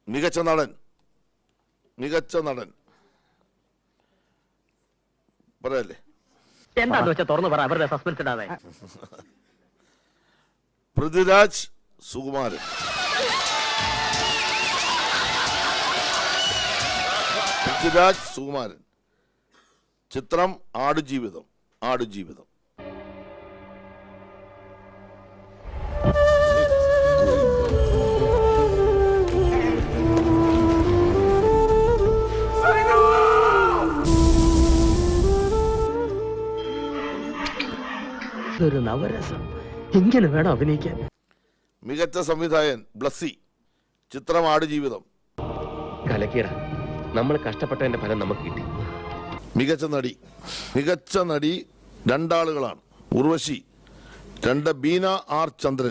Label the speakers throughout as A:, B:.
A: മികച്ച നടൻ. മികച്ച നടൻ പറയല്ലേ?
B: എന്താന്ന് വെച്ചാൽ തുറന്നു പറ, അവരുടെ സസ്പെൻസ് ഇടാതെ.
A: പൃഥ്വിരാജ് സുകുമാരൻ. പൃഥ്വിരാജ് സുകുമാരൻ. ചിത്രം ആടുജീവിതം. ആടുജീവിതം.
B: ഒരു നവരസം ഇങ്ങനെ വേണം അഭിനയിക്കാൻ.
A: മികച്ച സംവിധായകൻ ബ്ലസ്സി. ചിത്രം ആടുജീവിതം.
C: കലക്കീട നമ്മൾ കഷ്ടപ്പെട്ടതിന്റെ ഫലം നമുക്ക് കിട്ടി.
A: മികച്ച നടി. മികച്ച നടി രണ്ടാളുകളാണ്. ഉർവശി. ബീന ആർ ചന്ദ്രൻ.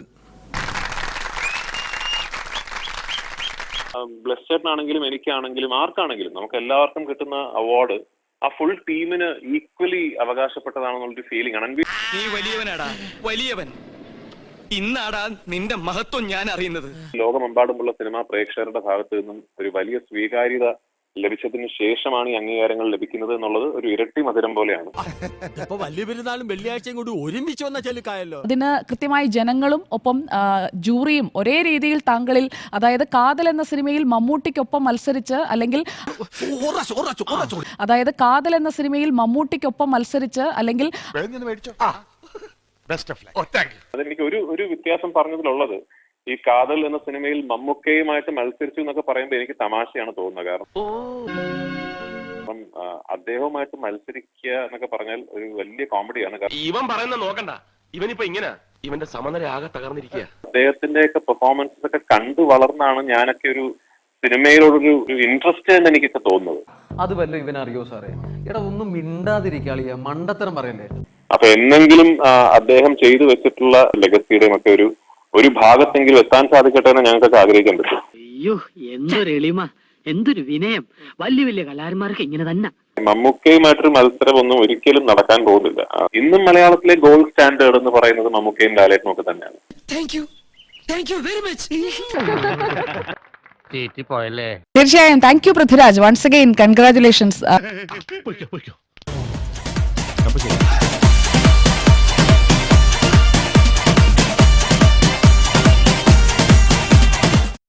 D: ബ്ലസ്സേട്ടനാണെങ്കിലും എനിക്കാണെങ്കിലും ആർക്കാണെങ്കിലും നമുക്ക് എല്ലാവർക്കും കിട്ടുന്ന അവാർഡ് ആ ഫുൾ ടീമിന് ഈക്വലി അവകാശപ്പെട്ടതാണെന്നുള്ളൊരു ഫീലിംഗ് ആണ്.
E: നീ വലിയവനാടാ, വലിയവൻ. ഇന്നാടാ നിന്റെ മഹത്വം ഞാൻ അറിയുന്നത്.
D: ലോകമെമ്പാടുമുള്ള സിനിമാ പ്രേക്ഷകരുടെ ഭാഗത്ത് നിന്നും ഒരു വലിയ സ്വീകാര്യത ലഭിച്ചതിന് ശേഷമാണ് ഈ അംഗീകാരങ്ങൾ ലഭിക്കുന്നത് എന്നുള്ളത് ഒരു ഇരട്ടി മധുരം പോലെയാണ്.
E: വലിയ പെരുന്നാളും വെള്ളിയാഴ്ചയും കൂടി ഒരുമിച്ച് വന്ന ചെലുക്കായല്ലോ.
F: അതിന് കൃത്യമായി ജനങ്ങളും ഒപ്പം ജൂറിയും ഒരേ രീതിയിൽ താങ്കളിൽ, അതായത് കാതൽ എന്ന സിനിമയിൽ മമ്മൂട്ടിക്കൊപ്പം മത്സരിച്ച് അല്ലെങ്കിൽ അല്ലെങ്കിൽ
D: അതെനിക്ക് ഒരു വ്യത്യാസം പറഞ്ഞതിലുള്ളത്, ഈ കാതൽ എന്ന സിനിമയിൽ മമ്മൂക്കയുമായിട്ട് മത്സരിച്ചു എന്നൊക്കെ പറയുമ്പോൾ എനിക്ക് തമാശയാണ് തോന്നുന്നത്. കാരണം അദ്ദേഹവുമായിട്ട് മത്സരിക്കുക എന്നൊക്കെ പറഞ്ഞാൽ ഒരു വലിയ കോമഡിയാണ്.
C: ഇവൻ പറയുന്ന നോക്കണ്ട, ഇവനിപ്പോ ഇങ്ങനെ ഇവന്റെ സമനില ആകെ തകർന്നിരിക്കുക.
D: അദ്ദേഹത്തിന്റെ ഒക്കെ പെർഫോമൻസസ് ഒക്കെ കണ്ടു വളർന്നാണ് ഞാനൊക്കെ ഒരു സിനിമയിലോടൊരു ഇൻട്രസ്റ്റ് എന്ന് എനിക്കൊക്കെ തോന്നുന്നത്.
G: അത് വല്ല ഇവനറിയോ സാറേ? എടാ ഒന്നും മിണ്ടാതിരിക്കാളിയ മണ്ടത്തരം പറയല്ലേ.
D: അപ്പൊ എന്നെങ്കിലും അദ്ദേഹം ചെയ്തു വെച്ചിട്ടുള്ള ലെഗസിയുടെയും ഒക്കെ ഒരു ഭാഗത്തെങ്കിലും എത്താൻ സാധിക്കട്ടെ എന്ന് ഞങ്ങൾക്കൊക്കെ ആഗ്രഹിക്കാൻ പറ്റും.
B: അയ്യോ, എന്തൊരു എളിമ, എന്തൊരു വിനയം. വലിയ വലിയ കലാകാരന്മാർക്ക് ഇങ്ങനെ തന്നെ.
D: മമ്മൂക്കയുമായിട്ടൊരു മത്സരം ഒന്നും ഒരിക്കലും നടക്കാൻ പോകുന്നില്ല. ഇന്നും മലയാളത്തിലെ ഗോൾഡ് സ്റ്റാൻഡേർഡ് എന്ന് പറയുന്നത് മമ്മൂക്കയും ലാലേട്ടനും ഒക്കെ തന്നെയാണ്.
F: തീർച്ചയായും thank you Prithviraj. Once again congratulations.